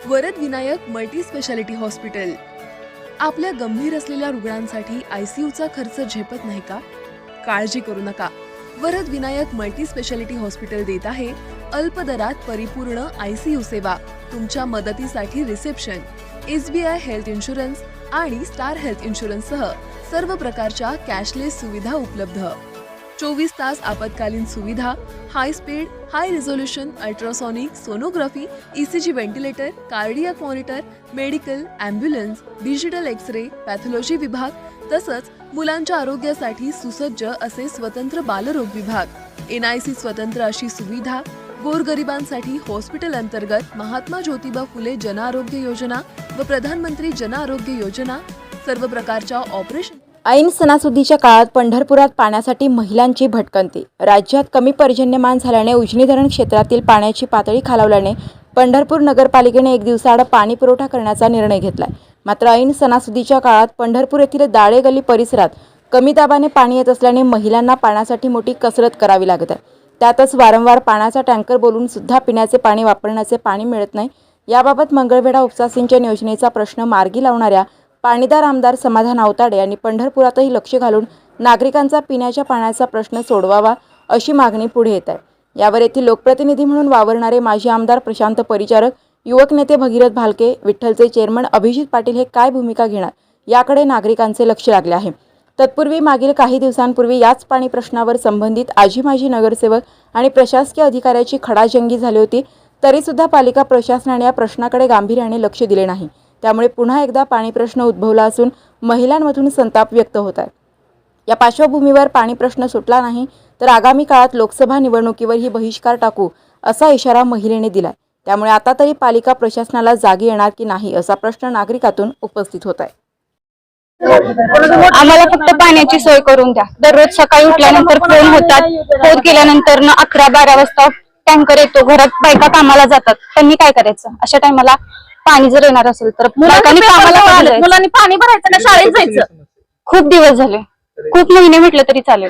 Varad Vinayak multi speciality hospital आपल्या गंभीर असलेल्या रुग्णांसाठी आयसीयूचा खर्च झेपत नाही का? काळजी करू नका. Varad Vinayak multi speciality hospital देत आहे अल्प दरात परिपूर्ण आयसीयू सेवा. तुमच्या मदतीसाठी रिसेप्शन, SBI हेल्थ इन्शुरन्स आणि स्टार हेल्थ इन्शुरन्स सह सर्व प्रकारच्या कॅशलेस सुविधा उपलब्ध. 24 तास आपत्कालीन सुविधा, high speed, high resolution ultrasonic sonography, ECG ventilator, cardiac monitor, medical, ambulance, digital X-ray, pathology विभाग तसंच मुलांच्या आरोग्यासाठी सुसज्ज असे स्वतंत्र बालरोग विभाग, NIC स्वतंत्र अशी सुविधा, गोरगरिबांसाठी हॉस्पिटल अंतर्गत महात्मा ज्योतिबा फुले जन आरोग्य योजना व प्रधानमंत्री जन आरोग्य योजना, सर्व प्रकारच्या ऑपरेशन. ऐन सणासुदीच्या काळात पंढरपुरात पाण्यासाठी महिलांची भटकंती. राज्यात कमी पर्जन्यमान झाल्याने उजनी धरण क्षेत्रातील पाण्याची पातळी खालावल्याने पंढरपूर नगरपालिकेने एक दिवसाआड पाणी पुरवठा करण्याचा निर्णय घेतलाय. मात्र ऐन सणासुदीच्या काळात पंढरपूर येथील दाळे गल्ली परिसरात कमी दाबाने पाणी येत असल्याने महिलांना पाण्यासाठी मोठी कसरत करावी लागत आहे. त्यातच वारंवार पाण्याचा टँकर बोलवून सुद्धा पिण्याचे पाणी वापरण्याचे पाणी मिळत नाही. याबाबत मंगळवेढा उपसा सिंचन योजनेचा प्रश्न मार्गी लावणाऱ्या पाणीदार आमदार समाधान आवताडे यांनी पंढरपुरातही लक्ष घालून नागरिकांचा पिण्याच्या पाण्याचा प्रश्न सोडवावा अशी मागणी पुढे येत आहे. यावर येथील लोकप्रतिनिधी म्हणून वावरणारे माजी आमदार प्रशांत परिचारक, युवक नेते भगीरथ भालके, विठ्ठलचे चेअरमन अभिजित पाटील हे काय भूमिका घेणार याकडे नागरिकांचे लक्ष लागले आहे. तत्पूर्वी मागील काही दिवसांपूर्वी याच पाणी प्रश्नावर संबंधित आजी माजी नगरसेवक आणि प्रशासकीय अधिकाऱ्याची खडाजंगी झाली होती. तरीसुद्धा पालिका प्रशासनाने या प्रश्नाकडे गांभीर्याने लक्ष दिले नाही. त्यामुळे पुन्हा एकदा पाणी प्रश्न उद्भवला असून महिलांमधून संताप व्यक्त होत आहे. या पार्श्वभूमीवर पाणी प्रश्न सुटला नाही तर आगामी काळात लोकसभा निवडणुकीवरही बहिष्कार टाकू असा इशारा महिलेने दिलाय. त्यामुळे आता तरी पालिका प्रशासनाला जागी येणार की नाही असा प्रश्न नागरिकातून उपस्थित होत आहे. आम्हाला फक्त पाण्याची सोय करून द्या. दररोज सकाळी उठल्यानंतर फोन होतात. फोन केल्यानंतर 11-12 वाजता टँकर येतो. घरात बायका कामाला जातात. त्यांनी काय करायचं? अशा टायमाला पाणी जर येणार असेल तर मुलांनी पाणी भरायचं ना, शाळेत जायचं. खूप दिवस झाले, खूप महिने म्हटलं तरी चालेल.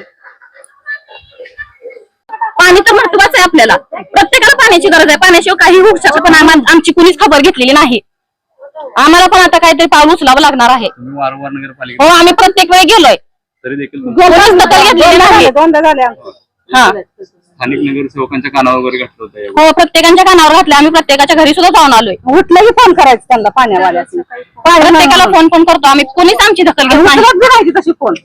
पाणी तर महत्वाचं आहे आपल्याला. प्रत्येकाला पाण्याची गरज आहे. पाण्याशिवाय काही होऊ शकत पण आमची कुणीच खबर घेतलेली नाही. आम्हाला पण आता काहीतरी पाऊल उचलावं लागणार आहे. हो, आम्ही प्रत्येक वेळी गेलोय तरी देखील दोनदा झाले. हा, स्थानिक नगरसेवकांच्या कानावर वगैरे घातलं होतं. हो, प्रत्येकाच्या कानावर घातलं. आम्ही प्रत्येकाच्या घरी सुद्धा जाऊन आलोय. कुठलंही फोन करायचं त्यांना पाण्यावाल्याचं. प्रत्येकाला फोन पण करतो आम्ही. कोणीच आमची दखल घेत नाही. तशी फोन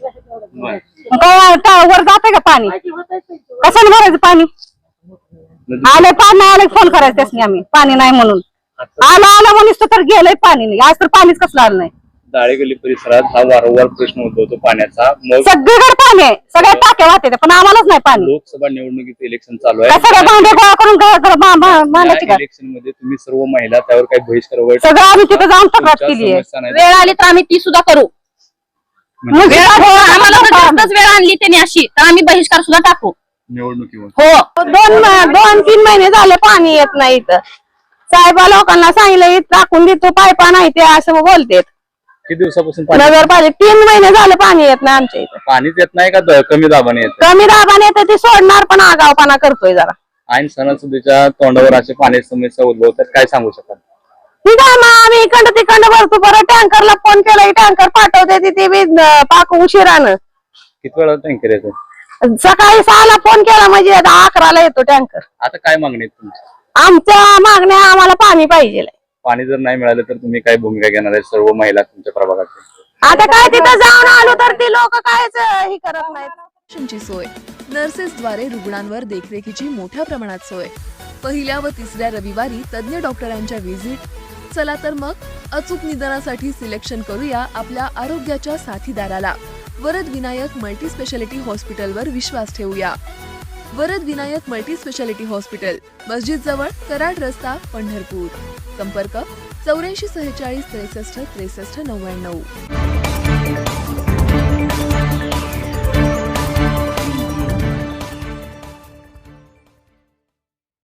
वर जाते का पाणी? कसं भरायचं पाणी? आलं पाणी आलं फोन करायचं त्यासनी आम्ही. पाणी नाही म्हणून आलं म्हणून तर गेलंय पाणी नाही. आज तर पाणीच कसलं आलं नाही. दाळे गल्ली परिसरात हा वारंवार प्रश्न उद्भवतो पाण्याचा. सगळीकडे पाणी आहे, सगळ्या टाक्या वाहते पण आम्हालाच नाही पाणी. लोकसभा निवडणुकीचं इलेक्शन चालू आहे. सगळ्या भांडे गोळा करून इलेक्शन मध्ये तुम्ही सर्व महिला त्यावर काही बहिष्कार वगैरे सगळं आम्ही तिथे जाऊन तक्रार केली आहे. वेळ आली तर आम्ही ती सुद्धा करू. आम्हाला जास्तच वेळ आणली त्यांनी अशी तर आम्ही बहिष्कार सुद्धा टाकू निवडणुकीवर. हो, 2-3 महिने झाले पाणी येत नाही इथं. साहेबा लोकांना सांगितलं टाकून देतो, पायपा नाही ते असं बोलतेत. किती दिवसापासून नगरपालिका 3 महिने झाले पाणी येत नाही आमच्या इथं. पाणीच येत नाही का? कमी दाबाने येत? कमी दाबाने येते ते सोडणार पण आगावपणा करतोय जरा. ऐन सणासुदीच्या तोंडावर असे पाण्याची समस्या उद्भवतात, काय सांगू शकाल? ठीक आहे, मग आम्ही इकडं तिकडं भरतो. परत टँकरला फोन केला, टँकर पाठवते ते बी पाक उशिरानं. किती वेळा टँकर येतो? सकाळी 6ला फोन केला म्हणजे 11ला येतो टँकर. आता काय मागणी आहे तुमची? आमच्या मागण्या आम्हाला पाणी पाहिजे. पाणी जर नाही मिळालं तर तुम्ही काय भूमिका घेणार आहे सर्व महिला तुमच्या प्रभागात? आता काय तिथं जाऊन आलो तर ती लोक कायच ही करत नाहीत. सोय, नर्सेसद्वारे रुग्णांवर देखरेखीची मोठ्या प्रमाणात सोय, पहिल्या व तिसऱ्या रविवारी तज्ञ डॉक्टरांच्या व्हिजिट. चला तर मग अचूक निदानासाठी सिलेक्शन करूया आपल्या आरोग्याच्या साथीदाराला. वरद विनायक मल्टी स्पेशालिटी हॉस्पिटलवर विश्वास ठेवूया. Varad Vinayak multi speciality hospital, मस्जिद जवळ, कराड रस्ता, पंढरपूर. संपर्क 84 46 63 63 99.